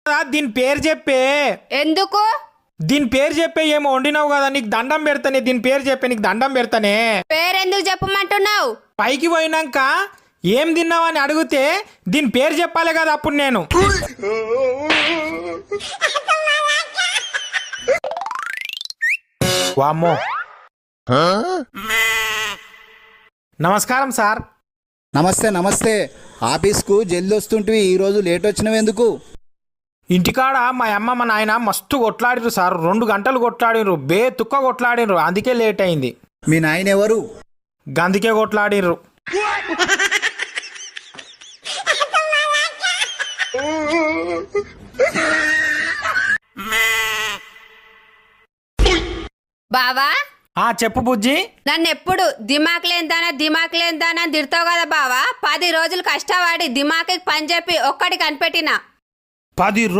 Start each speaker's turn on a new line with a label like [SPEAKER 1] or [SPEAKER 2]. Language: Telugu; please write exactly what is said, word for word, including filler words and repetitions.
[SPEAKER 1] దీని పేరు చెప్పే.
[SPEAKER 2] ఎందుకు?
[SPEAKER 1] దీని పేరు చెప్పే. ఏమో వండినావు కదా, నీకు దండం పెడతానే. దీని పేరు చెప్పే, నీకు దండం పెడతానే.
[SPEAKER 2] పేరెందుకు చెప్పమంటున్నావు?
[SPEAKER 1] పైకి పోయినాక ఏం తిన్నావని అడిగితే దీని పేరు చెప్పాలి కదా అప్పుడు నేను. వామ్మో. నమస్కారం సార్.
[SPEAKER 3] నమస్తే నమస్తే. ఆఫీస్కు జల్ది వస్తుంటివి, ఈరోజు లేట్ వచ్చినవెందుకు?
[SPEAKER 1] ఇంటికాడ మా అమ్మ మా నాయన మస్తు కొట్లాడిరు సార్. రెండు గంటలు కొట్లాడిరు, బే తుక్క కొట్లాడిరు. అందుకే లేట్ అయింది.
[SPEAKER 3] మీ నాయన ఎవరు?
[SPEAKER 1] గందుకే కొట్లాడిర్రు.
[SPEAKER 2] బావా,
[SPEAKER 1] ఆ చెప్పు బుజ్జి.
[SPEAKER 2] నన్ను ఎప్పుడు దిమాక్ లేందానా దిమాక్ లేందానా అని తిడతావు కదా బావా. పది రోజులు కష్టపడి దిమాకి పని చెప్పి ఒక్కటి కనిపెట్టినా.
[SPEAKER 1] పది